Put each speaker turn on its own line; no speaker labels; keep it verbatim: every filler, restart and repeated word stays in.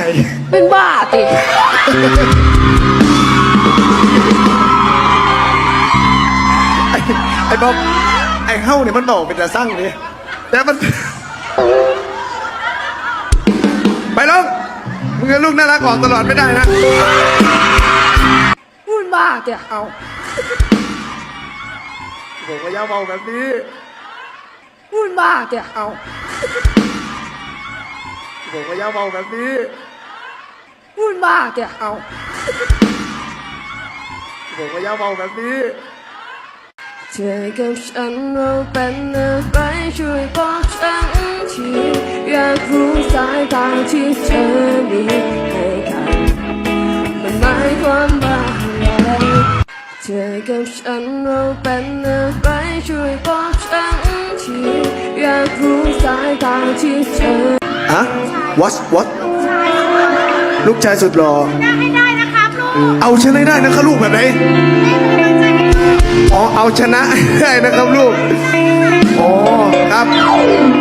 เป็นบ้าติ
ไอ้บ๊อบไอ้เฮ้าเนี่ยมันบอกเป็นจะสร้างนี่แต่มันไปลูกมึงกับลูกน่ารักออกตลอดไม่ได้นะ
พูดบ้าเตี่ย
เอาผมก็ย่าเบาแบบนี้
พูดบ้าเตี่ย
เอาผมก็ย่าเบาแบบนี้
พูดบ้าเตี่ย
เอาผมก็ย่าเบาแบบนี้
เธอกับฉันเราเป็นอะไรช่วยบอกฉันทีอยากรู้สายตาที่เธอมีให้กันมันหมายความว่าอะไรเธอกับฉันเราเป็นอะไรช่วยบอกฉันทีอยากรู้สายตาที่เธอ
อะ what what ลูกชายสุดหล่อ
ให้ได้นะครับลูก
เอาชนะได้นะครับลูกแบบไหนอ๋อเอาชนะได้นะครับลูกอ๋อครับ